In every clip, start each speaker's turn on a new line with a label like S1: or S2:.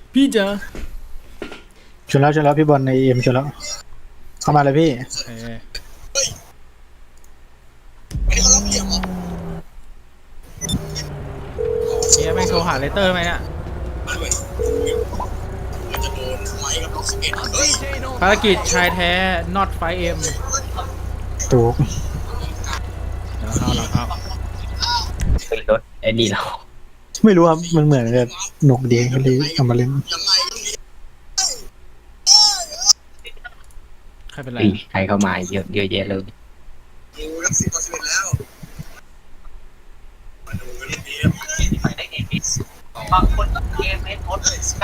S1: พี่เจอ
S2: ชนแล้วพี่บอลในเอ็มชนแล้วเข้ามาเลยพี่
S1: เนี่ยแม่งโทรหาเลเตอร์ไหมเนี่ยภารกิจชายแท้ not 5M
S2: ถูก
S1: หลังเข้า
S3: เป็นรถไอ้นี่เรา
S2: ไม่รู้ครับมันเหมือนจะหนุกดีก็เลยเอามาเล่น
S1: ใครเป็นไร
S3: ใครเข้ามาเยอะแยะเลยบางคนเกมไม่ทด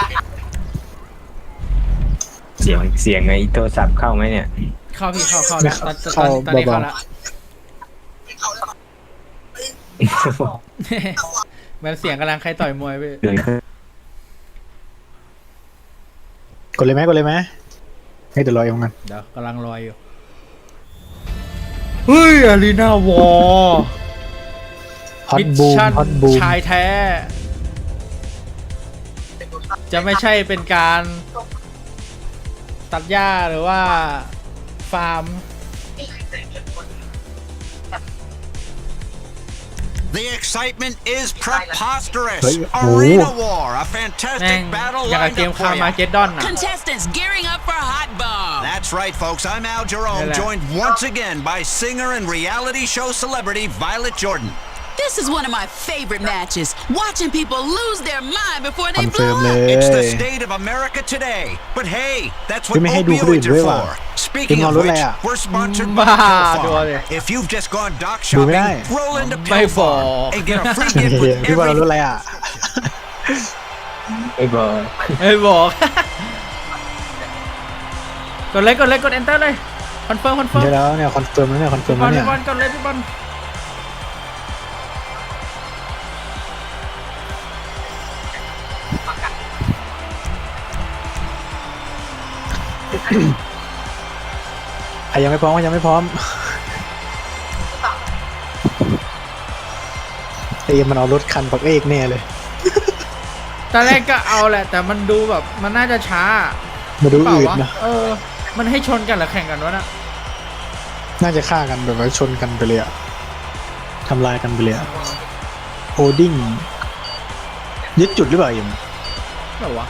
S3: เสียงไอ้โทรศัพท์เข้าไหมเนี่ย
S1: เข้าพี่เข้าแล้วตอนนี้เข้าแล้วเหมือนเสียงกำลังใครต่อยมวยไป
S2: กดเลยไหมให้เดี๋ยวรอเองกัน
S1: เดี๋ยวกำลังรออยู่เฮ้ยอารีนาวอร์
S2: ฮอตบูม
S1: ชายแท้จะไม่ใช่เป็นการตัดหญ้าหรือว่าฟาร์ม
S4: The excitement is preposterous. Arena War, a fantastic battle lined up for you.
S5: Contestants gearing up for Hot Bomb.
S4: That's right, folks. I'm Al Jerome, joined once again by singer and reality show celebrity Violet Jordan.
S5: This is one of my favorite matches. Watching people lose their mind before they blow up.
S4: It's the state of America today. But hey, that's what opioids are for. Speaking of which, we're sponsored by Pure Farm. If you've just gone doc shopping, roll into Pure Farm and get a free gift with every...
S2: พี่บอลรู้อะไรอ่ะ
S3: ไม่บอก
S1: กดเลยกด enter เลยคอนเฟิร์ม
S2: ใช่แล้วเนี่ยคอนเฟิร์มแล้วเนี่ย
S1: พี่บอลกดเลยพี่บอล
S2: ใครยังไม่พร้อมเอ็มมันเอารถคันปักเอกแน่เลย
S1: ตอนแรกก็เอาแหละแต่มันดูแบบมันน่าจะช้า
S2: มาดูอืดนะ
S1: มันให้ชนกันหรือแข่งกันวะน่ะ
S2: น่าจะฆ่ากันแบบว่าชนกันไปเลยอะทำลายกันไปเลยอะโฮดิ้งยึดจุดหรือเปล่าเอ็ม
S1: แบบวะ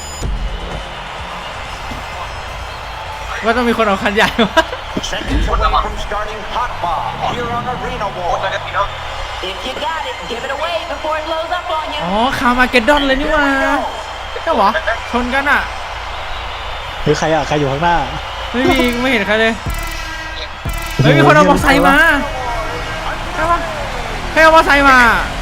S1: ว่าต้องมีคนเอาคันใหญ่วะอ๋อคาร์มาเกดดอนเลยนี่วะใช่หรอชนกันอ่ะ
S2: หรือใครอยู่ข้างหน้า
S1: ไม่เห็นใครเลยเฮ้ยมีคนเอามอเตอร์ไซค์มาใช่ปะใครเอามอเตอร์ไซค์มา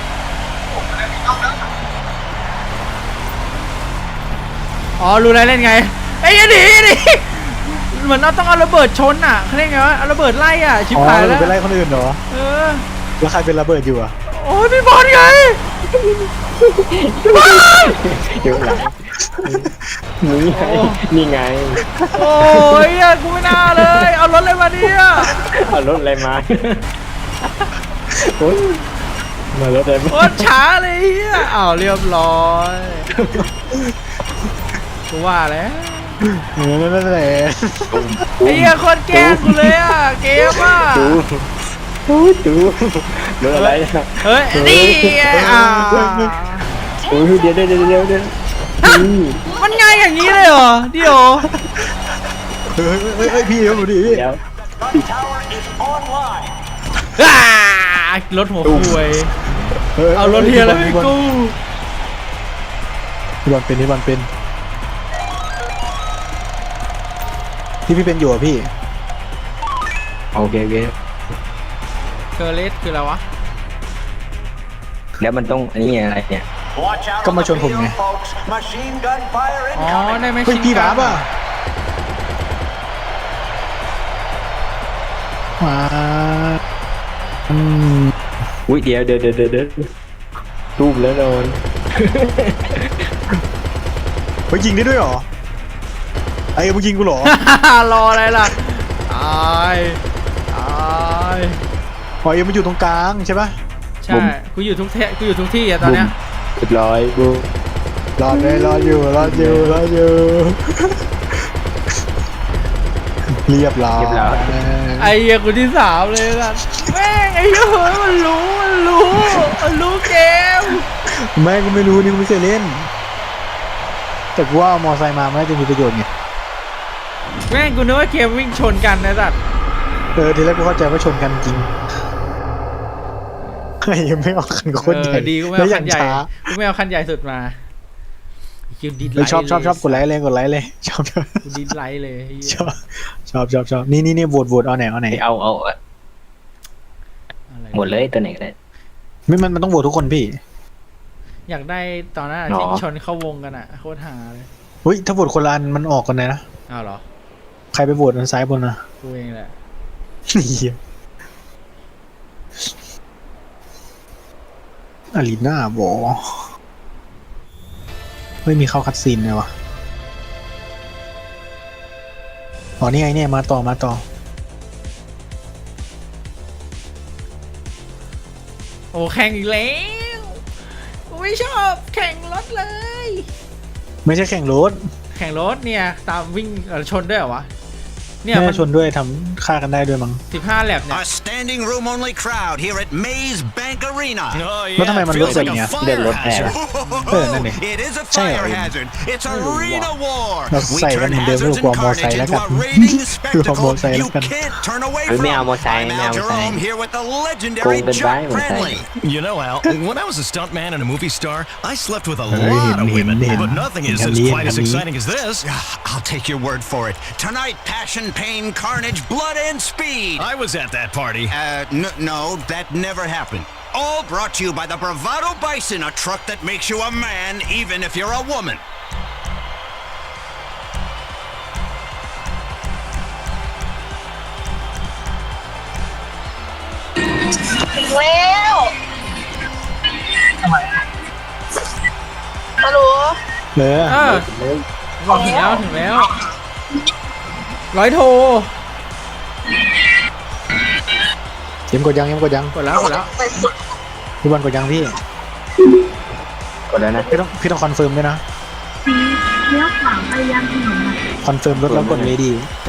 S1: อ๋อรู้แล้วเล่นไงไอ้ยันดิเหมือนเราต้องเอาระเบิดชนอ่ะเขาเรียกไงวะเอาระเบิดไล่อ่ะชิบหายแล้ว
S2: ไปไล่คนอื่นเหรอแล้วใครเป็นระเบิดอยู่อ่ะ
S1: โอ้ยพี่บอลไง
S3: อยู่หลังนี่ไง
S1: โอ้ยกูไม่น่าเลยเอารถอะไรมาเนี่ย
S3: เอารถอะไรมาโอ้ยมารถอะไร
S1: โคตรช้าเลยอ้าวเรียบร้อยกูว่าแล้ว
S2: นั่นแหละ
S1: ไอ้เหี้ยคนแกล้งกูเลยอ่ะเกมอ่ะ
S3: ดูรถอะไร
S1: เฮ้ยนี่
S3: โอ้ยเดี๋ยว
S1: มันง่ายอย่างนี้เลยเหรอเดี๋ยว
S2: พี่ดูดิ
S3: เดี๋ยว
S1: รถหัวคุยเอารถเฮียแล้วพี่กู
S2: พี่บอลเป็นพี่เป็นอยู่อ่ะพี่
S3: โอเค
S1: เคอร์เลสคืออะไรวะ
S3: แล้วมันต้องอันนี้อะไรเนี่ย
S2: ก็มาชนผมไง
S1: อ๋อได้ไหม
S2: พี่บ้าป่ะมา
S3: อุ้ยเดี๋ยวตูมแล้วนอน
S2: ไปยิงได้ด้วยหรอไอ้มึงยิงกูหรอ
S1: รออะไรล่ะตาย
S2: หอยมันอยู่ตรงกลางใช่ปะ
S1: ใช่กูอยู่ทุกที่อะตอนเนี้ย
S3: เรียบร้อยบู
S2: รอดเลยรอดอยู่เรียบร้อย
S1: ไอ้เหี้ยคนที่3เลยล่ะแม่งไอ้เหี้ยมันรู้เกม
S2: แม่ก็ไม่รู้นี่กูไม่เคยเล่นแต่กูว่าเอามอไซค์มามันน่าจะมีประโยชน์ไง
S1: แม่งกูนึกว่าเกมวิ่งชนกันนะสัตว์
S2: ทีแรกกูเข้าใจว่าชนกันจริงยังไม่เอาคันโคตรใหญ่
S1: ดีกูไม่
S2: แล้ว
S1: เอา
S2: ยั
S1: คั
S2: ง
S1: นใหญ่
S2: ช้า
S1: กูไม่เอาคันใหญ่สุดมาคิวดิสไลท์
S2: ชอบกดไลค์เลยชอบ
S1: กูดิสไลท์เลยเหี้ย
S2: ชอบนี่โหวตเอาไหน
S3: เอา
S1: อะไร
S3: หมดเลยตัวไหนก็ได้
S2: ไม่มันต้องโหวตทุกคนพี่
S1: อยากได้ตอนนั้นอะ
S3: หรอ
S1: ที่ชนเข้าวงกันอ่ะโคตรหาเลย
S2: เฮ้ยถ้าโหวตคนละอันมันออกกันเลยนะ
S1: อ้าวเหรอ
S2: ใครไปโหวตอันซ้ายบนนะ
S1: กูเองแหละ
S2: เหี้ยอารีนาบอไม่มีเข้าคัดซีนเลยวะอ๋อนี่ไงเนี่ยมาต่อ
S1: โอ้แข่งอีกแล้วกูไม่ชอบแข่งรถเลย
S2: ไม่ใช่แข่งรถ
S1: แข่งรถเนี่ยตามวิ่งชนด้วยเหรอวะเนี่ย
S2: ไม่
S1: มั
S2: ได้ชนด้วยทำฆ่ากันได้ด้วยมั้ง
S1: 15แลบเนี่ย
S4: A standing room only crowd here at Maze Bank Arena.
S2: แล้วทำไมมันรถแบบเนี้ย
S3: เดินรถแห่
S4: Oh, it is a fire hazard. It's arena war. We turn hazards and carnage into a rating spectacle you can't turn away from. I'm Al Jerome here with the legendary Chuck Friendly.
S6: You know, Al, when I was a stuntman and a movie star, I slept with a lot of women, but nothing is quite as exciting as this.
S4: I'll take your word for it. Tonight, passion, pain, carnage, blood, and speed.
S6: I was at that party.
S4: No, that never happened. All brought to you by the Bravado Bison, a truck that makes you a man even if you're a woman.
S7: แล้วฮัลโหล
S2: เลย
S1: บอกถึงแล้วร้อยโท
S2: เอ็มกดยัง
S1: กดแล้ว
S2: พี่บอลกดยังพี่
S3: กดแล้วนะ
S2: พี่ต้องคอนเฟิร์มด้วยนะ
S7: เลี้ยวขวาไปยังถนน
S2: คอนเฟิร์มรถแล้วกดเลยดี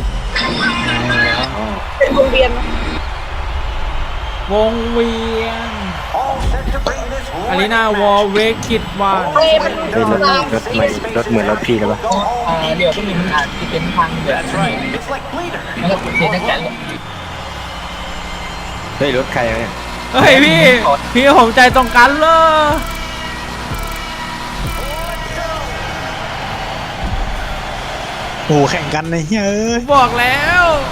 S7: เป็นวงเวียน
S1: วงเวียนอารีนาวอลเวกิดวาน
S7: เฮ้ยมัน
S3: เฮ้ยรถเหมือนรถพี่แล้วปะ
S8: เดี๋ยวก็มีปัญหาที่เป็นทางเดือดแล้วก็เสียนักจัด
S3: เฮ้ยรถใครวะเนี่ย
S1: เฮ้ยพี่ผมใจตรงกันเลย
S2: โอ้โหแข่งกันเลยเฮ้ย
S1: บอกแล้ว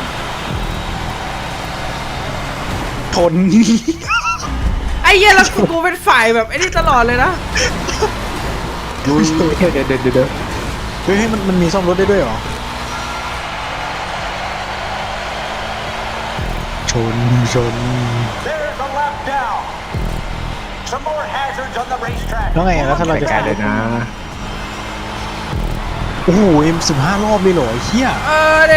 S2: ทน
S1: ไอ้เหี้ยแล้วกูเป็นฝ่ายแบบไอ้นี่ตลอดเลยนะ
S3: เดี๋ยว
S2: เฮ้ยมันมีซ่อมรถได้ด้วยเหรอ ชน
S4: There's a lap down. Some more hazards on the racetrack.
S2: แล้วไงแล้วถ้าเราจะ
S3: ไกลเลยนะ
S2: โอ้โห15 รอบเลยเหรอไอ้เหี้ย
S1: ดิ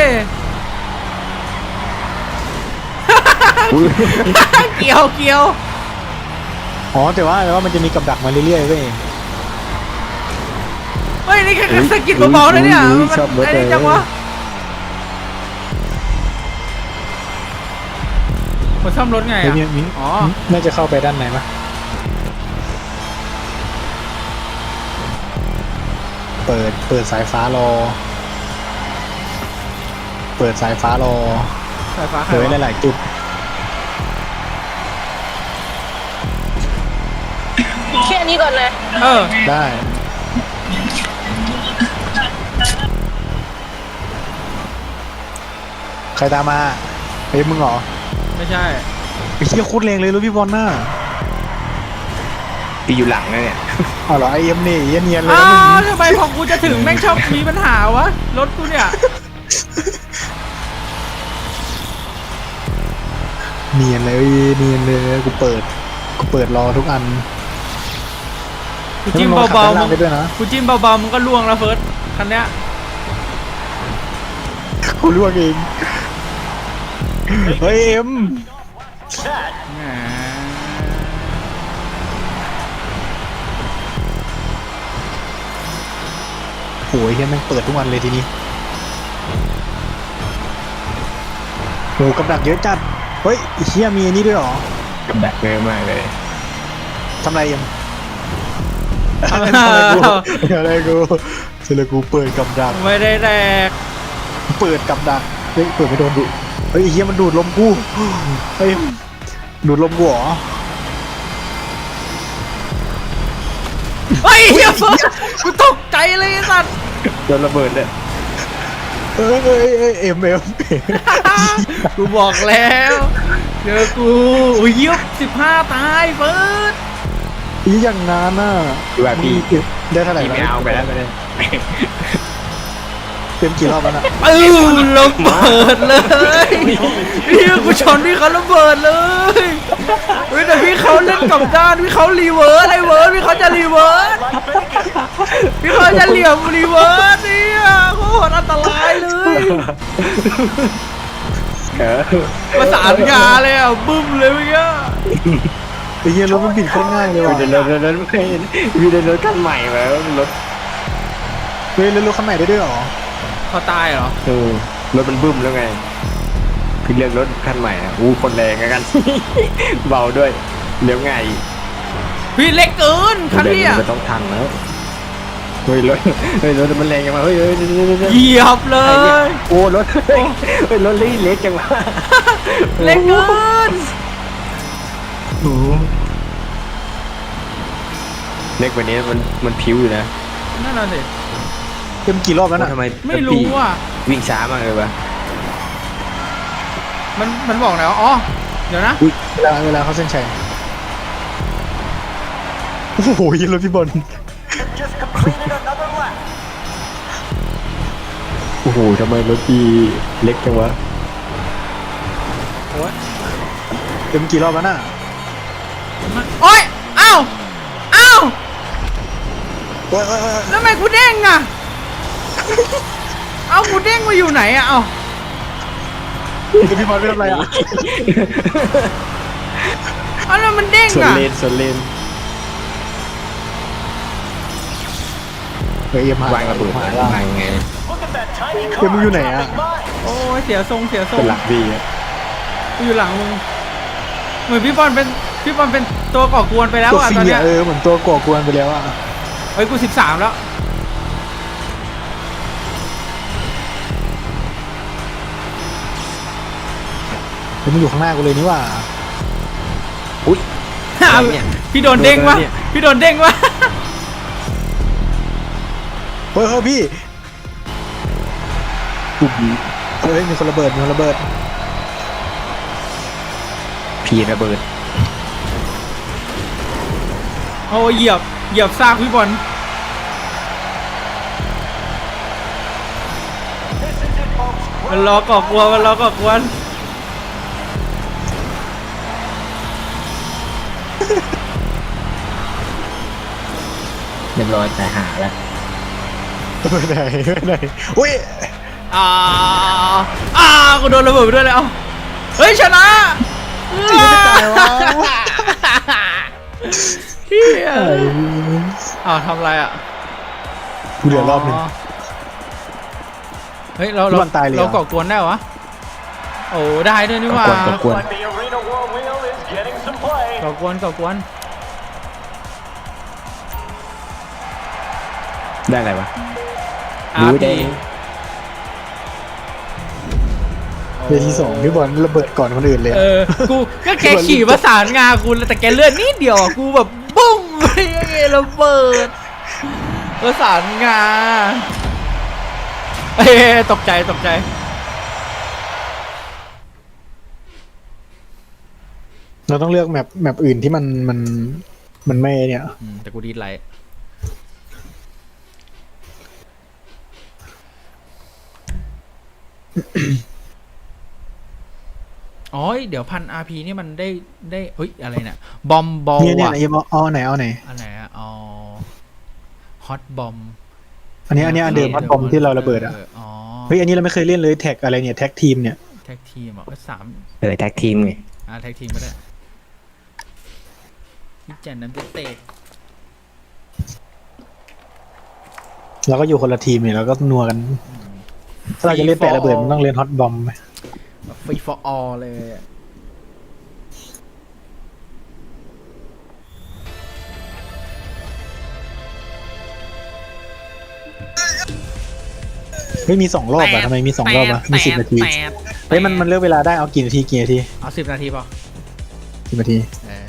S1: เกี่ยว
S2: อ๋อแต่ว่ามันจะมีกับดักมาเรื่อยๆเว้ย
S1: เฮ้ยนี่แค่สกิดเบาๆนะเนี่ยมันไอ้นี่จังวะมันซ่อมรถไง
S2: เฮ้ย
S1: อ่ะ
S2: มี
S1: อ๋อ
S2: น่าจะเข้าไปด้านในปะเปิดสายฟ้ารอ เปิดสายฟ้ารอ
S1: สายฟ้าใคร
S2: เปิดไว้
S1: วะ
S2: หลายๆจุด
S7: แค่นี้ก่อนเลย
S2: ได้ ใครตามมาเฮ้ยมึงเหรอ
S1: ไม่ใช่
S2: ไอ้เหี้ยโคตรแรงเลยรถพี่บอลน่ะ
S3: พี่อยู่หลังนะเนี่ย
S2: เอาเหรอไอเอ็มนี่เนียนเลย
S1: อ้า
S2: นะมึง
S1: วทำไมของกูจะถึงแม่งชอบมีปัญหาวะรถกูเนี่ย
S2: เนียนเลยกูเปิดรอทุกอัน
S1: กูจิ้มเบาๆ
S2: มึ
S1: มึ
S2: ง
S1: ง
S2: ไปด้วยนะ
S1: กูจิ้มเบาๆมึงก็ล่วงแล้วเฟิร์สคันเนี้ย
S2: กูล่วงเองเฮ้ยเอ็ม
S1: แหม
S2: โอ้ยเฮียแม่งเปิดทุกวันเลยทีนี้โอ้กับดักเยอะจัดเฮ้ยไอ้เฮียมีอันนี้ด้วยเหรอ
S3: กับดักเยอะมากเลย
S2: ทำไรยังอะไรกูเสร็จแล้วกูเปิดกับดัก
S1: ไม่ได้แดก
S2: เปิดกับดักเฮ้ยเปิดไม่โดนดุเฮ้ยไอ้เฮียมันดูดลมกูเฮ้ยดูดลมกูเหรอ
S1: เฮ้ยเฮียเฟิร์สกูตกใจเลยไอ้สัตว์
S3: โดนระเบิดเลย
S2: เอ้ยเอ็ม
S1: กูบอกแล้วเจอกูอุ้ยยิบ15 ตายเฟิร์ส
S2: อีอย่างงานน่ะ
S3: คือว่าพี่
S2: ได้เท่าไหร่
S3: พี่ไม่เอาไปแล้วไปเลย
S2: เต็มกี่รอบแล้วน่ะ
S1: ระเบิดเลยพี่กูชนพี่เขาระเบิดเลยเฮ้ยแต่พี่เขาเล่นกับด้านพี่เขารีเวิร์สไอเวิร์สพี่เขาจะรีเวิร์สพี่เขาจะเหลี่ยมรีเวิร์สเนี่ยโคตรอันตรายเลย ประสานงานเลยอ่ะบึ้มเลยเมื่อกี้
S2: ไอ้เหี้ยรถมันบิดโคตรง่ายเลยว่ะ
S3: พี่ได้รถพี่ได้รถคันใหม่มาแล้วรถ
S2: เฮ้ยแล้วรถคันใหม่ได้ด้วยเหรอ
S1: เขาตายเหรอ
S3: รถมันบึ้มแล้วไงพี่เลือกรถคันใหม่อ่ะอู้คนแรงกัน เบาด้วยเลี้ยวง่าย
S1: พี่เล็กเกินคันนี้อ่ะ
S3: มันต้องทันแล้วเฮ้ยรถมันแรงจังวะเฮ้ย
S1: เหยียบเลย
S3: โอ้รถเฮ้ยรถเล็กจังวะ
S1: เล็กเกิน
S3: เล็กกว่านี้มันผิวอยู่นะ
S1: นั่นน่ะสิ
S2: เต็มกี่รอบแล้วน่ะ
S3: ทำไม
S1: ไม่รู้อ่ะ
S3: วิ่งช้ามากเลยวะ
S1: มันบอกไหนวะอ๋อเดี๋ยวนะ
S2: เวลาเขาเส้นชัยโอ้โหรถพี่บอล
S3: โอ้โหทำไมรถพี่เล็กจังวะ
S2: เต็มกี่รอบแล้วน่ะ
S1: โอ๊ยอ้าวอ้าว
S2: โอ้ย
S1: แล้วทำไมกูเด้งอ่ะเอ้ากูเด้งมาอยู่ไหนอ่ะเอ้า
S2: พี่บอลไม่ทำไรอ่ะ
S1: เอ้าแล้วมันเด้ง
S3: ส่วน
S1: อ่ะ
S3: เลน
S2: เฮ้ยเอ็มหาว
S3: างระเบิดวางไง
S2: เอ็มมึงอยู่ไหนอ่ะ
S1: โอ้ยเสียทรงเสียทร
S3: เป็
S1: ง
S3: นหลักพี่อะ
S1: กูอยู่หลังมึงเหมือนพี่บอลเป็นตัวก่อกวนไปแล้ว
S2: ตัว
S1: อ่ะ
S2: ฟรี
S1: ตอนเนี้ย
S2: เหมือนตัวก่อกวนไปแล้วอ่ะ
S1: เฮ้ยกู13แล้ว
S2: เฮ้ยมึงอยู่ข้างหน้ากูเลยนี่ว่า
S3: อุ้ย
S1: พี่โดนเด้งวะพี่โดนเด้งวะ
S2: เฮ้ยพี่เฮ้ยมีคนระเบิด
S3: พี่ระเบิด
S1: โอ้ยเหยียบซากพี่บอล มันรอก่อกวน
S3: เรียบร้อยแต่หาแล้ว
S2: ไม่ได้อุ้ย
S1: กูโดนระเบิดไปด้วยเลยเอ้าเฮ้ยชนะเฮียทำไรอ่ะ
S2: กูเหลือรอบหนึง
S1: เฮ้ยเรา
S2: พี่บอลตายเลยเหรอ
S1: ก่อกวนได้วะโอ้ได้ด้วยนี่หว่า
S3: ก่อกวน
S1: ก่อกวน
S3: ได้อะไรวะ
S1: อาร์พี
S2: เวที2พี่บอลระเบิดก่อนคนอื่นเลยอะ
S1: กูก็แกขี่ประสานงากูแต่แกเลื่อนนิดเดียวอ่ะกูแบบบุ้มไอ้ระเบิดประสานงาตกใจ
S2: เราต้องเลือกแมปอื่นที่มันไม่เนี่ย
S1: แต่กูดีดไลท์อ๋อเดี๋ยว1,000 RP นี่มันได้เฮ้ยอะไรเนี่ยบอมบอล
S2: เนี่ย
S1: ว่ะ
S2: เอ็มเอาไหน
S1: อันไหนอ่ะอ๋อฮอตบอม
S2: อันนี้อันเดิมพัดบอมที่เราระเบิดอ่ะ
S1: อ๋อ
S2: เฮ้ยอันนี้เราไม่เคยเล่นเลยแท็กอะไรเนี่ยแท็กทีมเนี่ย
S1: แท็กทีมอ่ะ3
S3: แท็กทีมไง
S1: แท็กทีมก็ได้พี่แจนน้ำจะเตะ
S2: เราก็อยู่คนละทีมเนี่ยเราก็นัวกันถ้าเราจะเล่นแปะระเบิดมันต้องเล่นฮอตบอมไหม
S1: ฟรีฟอร์ออเลยอะ
S2: ไม่มี2 รอบอะทำไมมี2 รอบอะมี10 นาทีเฮ้ยมันเลือกเวลาได้เอากี่นาที
S1: เอา10 นาทีพอ
S2: 10 นาที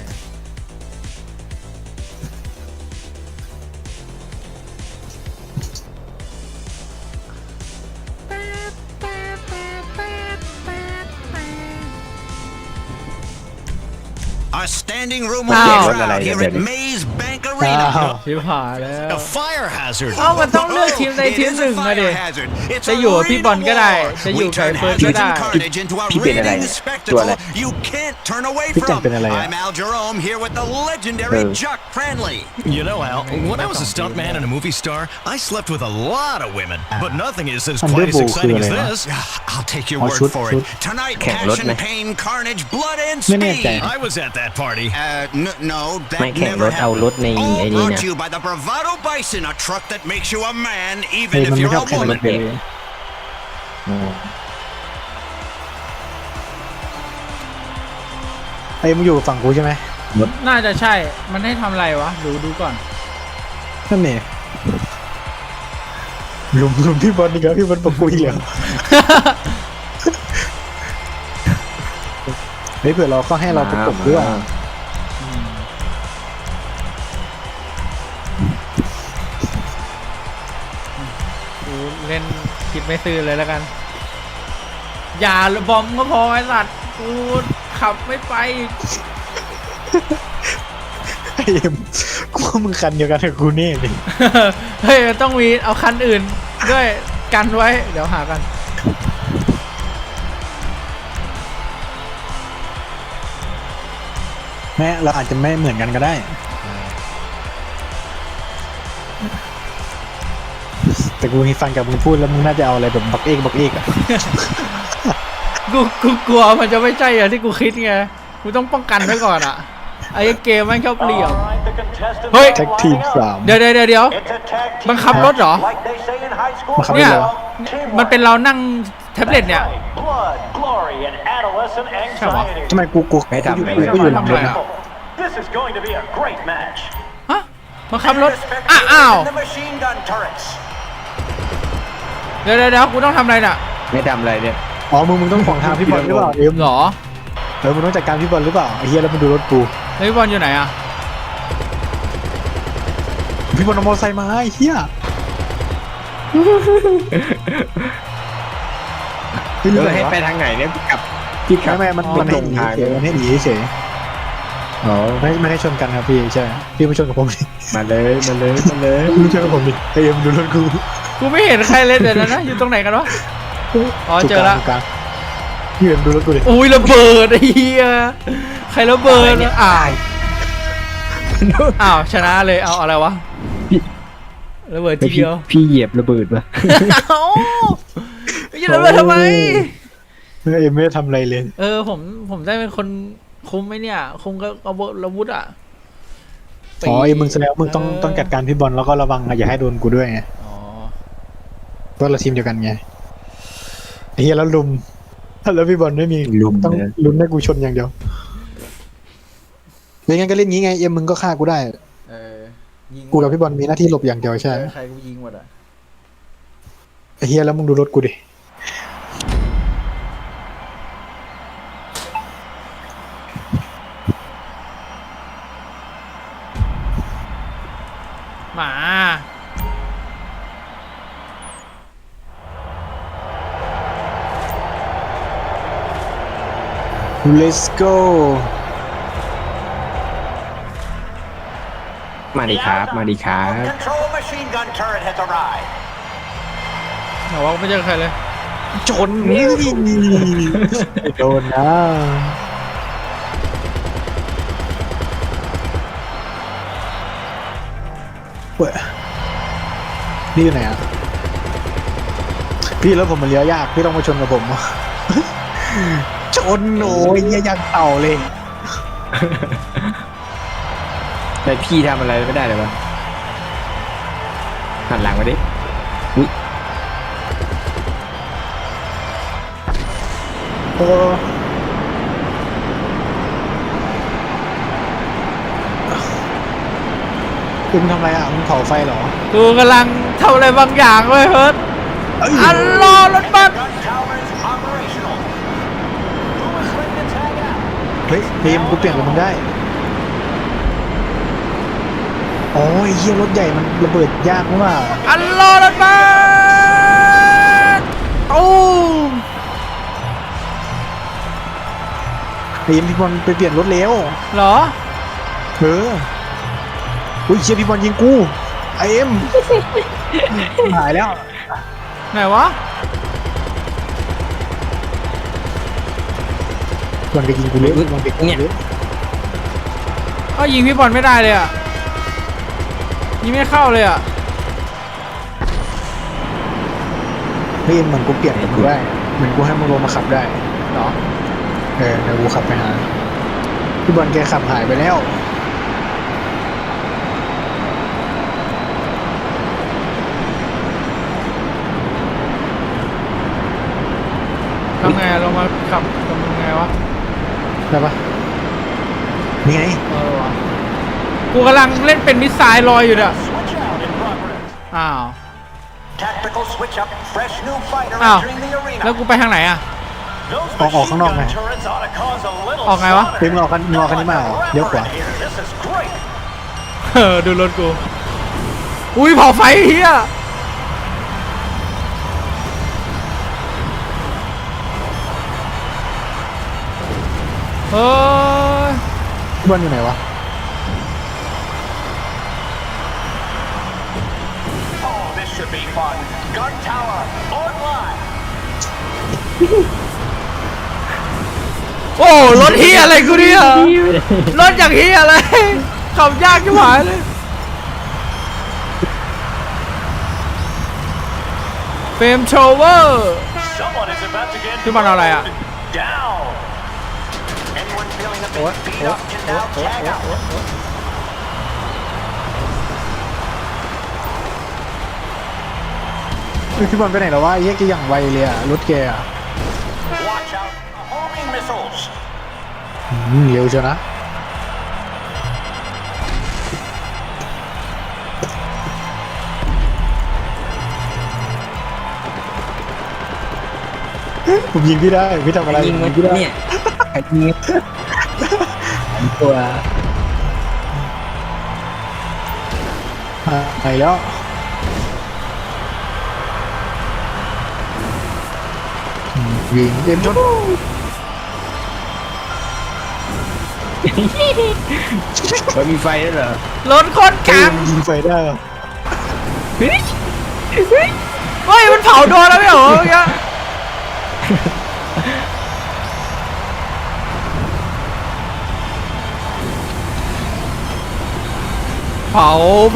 S4: A standing room will be crowd here at Maze Bank Arena.
S1: ชิบหายแล้ว
S6: A fire hazard.
S1: เอ้ามันต้องเลือกทีมใดทีมหนึ่งอะดิ จะอยู่กับพี่บอลก็ได้ จะอยู่กับเฟิร์สก็ได้
S3: พี่เป็นอะไรเนี่ยตัวอะไร
S4: You can't turn away
S2: พี่จัง
S4: from.
S2: เป็นอะไรอะ
S4: I'm Al Jerome here with the legendary Chuck Cranley.
S6: You know, Al, when I was a stuntman and a movie star, I slept with a lot of women. But nothing is as quite as exciting as this.
S4: I'll take your
S2: Oh,
S4: word
S2: shoot,
S4: for
S2: shoot.
S4: it. Tonight,
S3: Can't
S4: passion,
S3: load me.
S4: pain, carnage, blood, and
S2: ไม่แน่ใจ
S4: speed.
S6: I was at that party.
S4: No, that
S3: ไม่แข่ง
S4: never
S3: รถเอา
S4: happened.
S3: รถใน
S4: All
S3: ไอ้นี่
S4: brought
S3: นะ
S4: to you by the Bravado Bison, a truck that makes you a man
S2: เฮ้
S4: even
S2: ย
S4: if
S2: มันไม่
S4: you're
S2: ชอบ
S4: a
S2: แข่งรถ
S4: woman.
S2: เลยไอ้มึงอยู่ฝั่งกูใช่ไหม
S1: น่าจะใช่ มันให้ทำอะไรวะ ดูก่อน
S2: นั่นเนี่ยลุมพี่บอลนี่ครับพี่บอลประกุยเหรอเฮ้ยเผื่อเราก็ให้เราประกบด้วย
S1: กูเล่นคิดไม่ซื่อเลยแล้วกัน อย่าบอมก็พอไอ้สัตว์กูขับไม่ไป
S2: ไอ้เอ็มกูว่ามึงคันเดียวกันกับกูนี่ดิ
S1: เฮ้ยมันต้องมีเอาคันอื่นด้วยกันไว้ เดี๋ยวหากัน
S2: แม้เราอาจจะไม่เหมือนกันก็ได้ แต่กูฟังกับมึงพูดแล้วมึงน่าจะเอาอะไรแบบบักเอกอะ
S1: กูกลัวมันจะไม่ใช่อย่างที่กูคิดไง กูต้องป้องกันไว้ก่อนอ่ะ ไอ้เกมมันชอบเหลี่ยม เฮ้ย
S2: แท็กทีม3
S1: เดี๋ยวบังคับรถเหรอ
S2: มาขับ
S1: เนี่
S2: เลย ยเหรอ
S1: มันเป็นเรานั่งแท็บเล็ตเนี่ย ใช่ปะ
S2: ทำไมกู
S3: ไม่ทำอะไร
S2: กูอยู่หลังรถอะ
S1: ฮะบังคับรถอ้าว
S4: The machine gun turrets.
S1: เดี๋ยวกูต้องทำอะไรน่ะ
S3: ไม่ทำอะไรเนี่ย
S2: อ๋อมึงต้องขวางทางพี่บอลหรือเปล่าเอ็ม
S1: เหรอ
S2: มึงต้องจัดการพี่บอลหรือเปล่าไอ้เหี้ยแล้วมึงดูรถกู
S1: แล้วพี่บอลอยู่ไหนอ่ะ
S2: พี่บอลเอามอเตอร์ไซค์มาไอ้เหี้ยพี่รู้ไหน
S3: ให้
S2: วะ
S3: ไปทางไหนเนี่ยกับพี่ขับ
S2: ไม่มันให้หนีเฉยมันให้หนีเฉย
S3: อ๋อ
S2: ไม่ให้ชนกันครับพี่ใช่พี่ไม่ชนกับผมดิ
S3: มาเลย
S2: ไม่ชนกับผมดิไอ้เอ็มดูรถกู
S1: กูไม่เห็นใครเลยเดี๋ยวนะ อยู่ตรงไหนกันวะ อ๋อเจอละ
S2: ถูกกลางพี่เอ็มดูรถกูดิ
S1: อุ้ยระเบิดไอ้เหี้ยใครระเบิดอ้าวชนะเลยเอาอะไรวะระเบิดทีเดียว
S3: พี่เหยียบระเบิดปะ
S1: เอ้าไม่ใช่ระเบิดทำไม
S2: เอ็มไม่ได้ทำอะไรเลย
S1: ผมได้เป็นคนคุมไหมเนี่ย คุมก็อาวุธอ่ะ
S2: อ๋อเอ็มมึงแสดงว่ามึงต้องจัดการพี่บอลแล้วก็ระวังอย่าให้โดนกูด้วยไง
S1: อ๋อ
S2: เพราะเราทีมเดียวกันไงไอ้เหี้ยแล้วลุมแล้วพี่บอลไม่มีต้องลุ้นให้กูชนอย่างเดียวไม่งั้นก็เล่นงี้ไงเอ็มมึงก็ฆ่ากูได้
S1: ยิง
S2: กูกับพี่บอลมีหน้าที่หลบอย่างเดียวใช่
S1: ใครกูยิงหมดอ่ะ
S2: ไอ้เฮียแล้วมึงดูรถกูดิ
S1: หมา
S2: let's go
S3: มาดีครับ
S4: Control machine gun turret has arrived.
S1: แต่ว่าไม่เจอใครเลย
S2: ชนนี่โดนนะเว้ยนี่อยู่ไหนอ่ะพี่แล้วผมมันเลี้ยวยากพี่ต้องมาชนกับผม ชนโอ้ยยังเต่าเลย
S3: แต่พี่ทำอะไรไม่ได้เลยวะหันหลังมาดิ
S2: โอ้คุณทำอะไรอ่ะมึงเผาไฟเหรอ
S1: กูกำลังทำอะไรบางอย่างเว้ยเฮิร์ตอัลลอฮ์รถบัส
S2: เฮ้ยเบมกูเปลี่ยนกับมึงได้โอ้ยเฮียรถใหญ่มันระเบิดยากมาก
S1: อัลลอฮ์รถบัสตูม
S2: เบมพี่บอลไปเปลี่ยนรถเร็ว
S1: เหรอ
S2: อุ้ยเชียพี่บอลยิงกูไอเอ็มหายแล้ว
S1: ไหนวะ
S2: บอลไปยิงกูเลยบอลไปยิงเลย
S1: ก็ยิงพี่บอลไม่ได้เลยอ่ะยิงไม่เข้าเลยอ่ะ
S2: เฮ้ยเหมือนกูเปลี่ยนกับกูได้เหมือนกูให้มึงลงมาขับได้
S1: เหรอ
S2: เดี๋ยวกูขับไปหาพี่บอลแกขับหายไปแล้ว
S1: ทำไงลงมาขับทำไงวะ
S2: ได้ปะนี่ไง
S1: วะกูกำลังเล่นเป็นมิสไซล์ลอยอยู่เนี่ยอ้าว
S4: Tactical switch up, fresh new fighter
S1: อ้าว
S4: entering the arena.
S1: แล้วกูไปทางไหนอ่ะ
S2: ออกข้างนอกไง
S1: ออกไงวะ
S2: เฮ้ยมึงออกกันนี้มาเหรอเลี้ยวขวา
S1: ดูรถกู อุ้ยเผาไฟเฮียเฮ้ย
S2: พี่บอลอยู่ไหนวะ
S4: Oh, this should be fun. Gun Tower online.
S1: โอ้รถเฮียอะไรกูเนี่ยรถอย่างเฮียอะไรขับยากชิบหายเลยเฟรมโชเวอร์
S4: Someone is about to get
S1: ที่มันอะไรอ่ะ
S4: down. Anyone feeling a bit beat up can now tag out.
S2: พี่บอลไปไหนแล้ววะไอ้เหี้ยแกอย่างไวเลยอะรถแกอะ
S4: Watch out for homing missiles.
S2: เร็วเชียวนะผมยิงพี่ได้พี่ทำอะไรยิงพี่ได้เนี่ยยิงตัวไปแล้วยิงเต็มชน
S3: มันมีไฟด้วยเหรอ
S1: รถคนกลาง
S2: ยิงไฟได้เหรอ
S1: เฮ้ยมันเผาโดนแล้วไม่เหรอเมื่อกี้เผา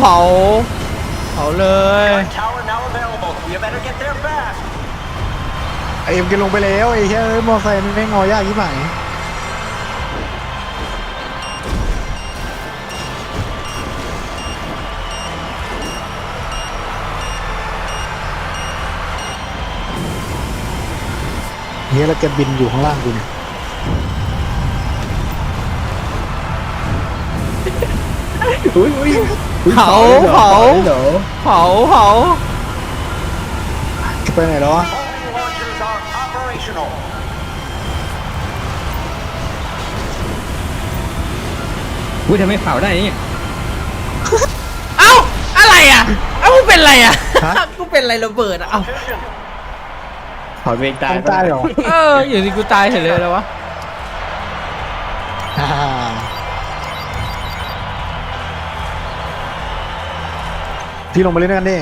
S1: เลย
S4: Gun Tower now available. You better get there fast.
S2: ไอเอ็มแกลงไปแล้วไอ้เหี้ยมอไซค์มันไม่งอยากยิ่งไหนเนี่ยแล้วแกบินอยู่ข้างล่างกูเนี่ย
S1: เผา
S2: ไปไหนแล้ววะ
S4: Homing launchers are operational.
S3: ทำไมเผาได้เนี่ย
S1: เอ้าอะไรอ่ะเอ้ากูเป็นอะไรอ่ะกูเป็นอะไรระเบิดอ่ะเอ้า
S3: เผาเองตาย
S2: ตายเหรอ
S1: อยู่ที่กูตายเฉยเลยแล้ววะ
S2: พี่ลงมาเล่นด้วยกันดิ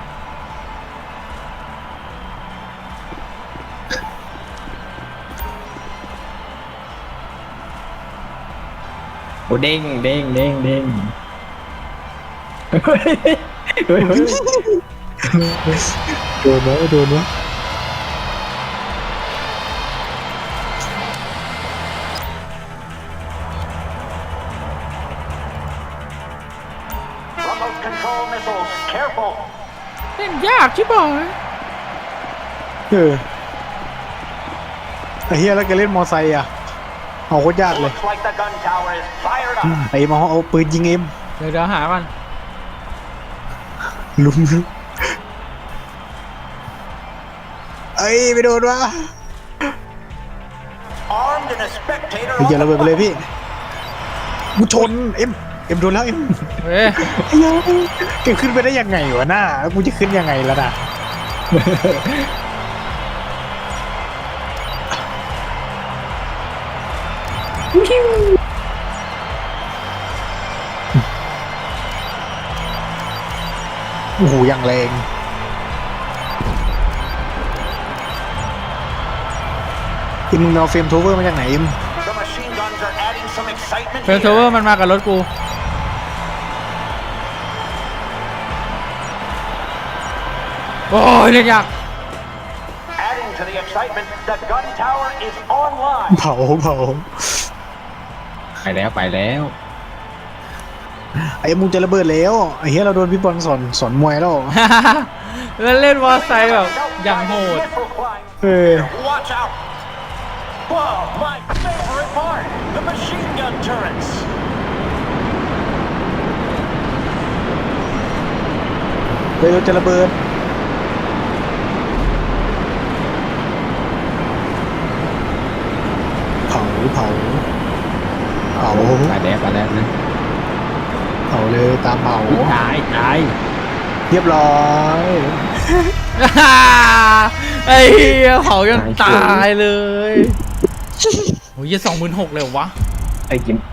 S3: โอ้เด้งเฮ้ย
S2: โดนไหม
S4: Remote control missiles. Careful.
S1: เล่นยากชิบหาย
S2: ไอ้เฮียแล้วแกเล่นมอไซค์อ่ะเอาโคตรยากเลยไอ้มาเอาปืนยิงเอ็ม
S1: เดี๋ยวหามัน
S2: ลุมเอ้ยไปโดนวะไอ้เหี้ยระเบิดไปเลยพี่กูชนเอ็มโดนแล้วเอ็ม
S1: เฮ้ย
S2: ไอ้เหี้ยเก็บขึ้นไปได้ยังไงวะหน้ากูจะขึ้นยังไงแล้วนะโอ้โหอย่างแรงมึงเอาเฟรมโทเวอร์มาจากไหนอิม
S1: เฟลโทเวอร์มันมากับรถกูโอ้ยเรียกยาก
S2: เผา
S3: ไปแล้ว
S2: ไอ้มึงจะระเบิดแล้วไอ้เฮียเราโดนพี่บอลสอนมวยแล้ว
S1: แล้วเล่นมอไซค์แบบอย่างโหด
S4: Watch out! Whoa, my favorite part! The machine gun turrets!
S2: เฮ้ยเราจะระเบิดเผา
S3: ไปแล้วนะ
S2: เผาเลยตามเผา
S3: ตาย
S2: เรียบร้อย
S1: ไอ้เหี้ยเผาจนตายเลยโอ้ย26,000เลยวะ
S3: ไอ้กิม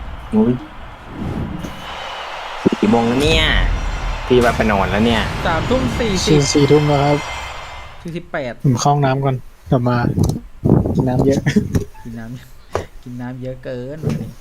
S3: กี่โมงแล้วเนี่ยพี่ว่าไปนอนแล้วเนี่ย
S2: 4 ทุ่มแล้วครับ
S1: 48
S2: ผมเข้าห้องน้ำก่อนกลับมากินน้ำเยอะ
S1: กินน้ำเยอะเกินวันนี้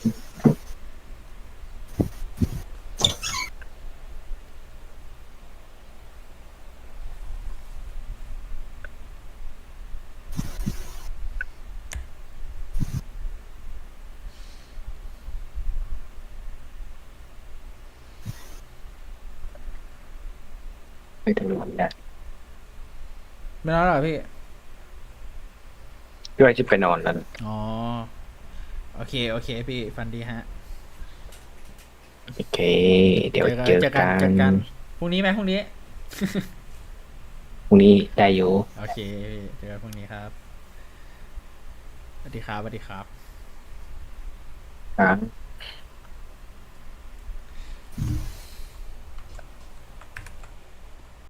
S3: ไปถึงนอนได้
S1: ไม่นอนหรอพี่
S3: ด้วยจะไปนอนแล้ว
S1: อ๋อโอเคพี่ฟันดีฮะ
S3: โอเคเดี๋ยวเจอกัน
S1: พรุ่งนี้ไหมพรุ่งนี้
S3: พรุ่งนี้ได้อยู่
S1: โอเคพี่เจอกันพรุ่งนี้ครับสวัสดีครับ
S3: ครับ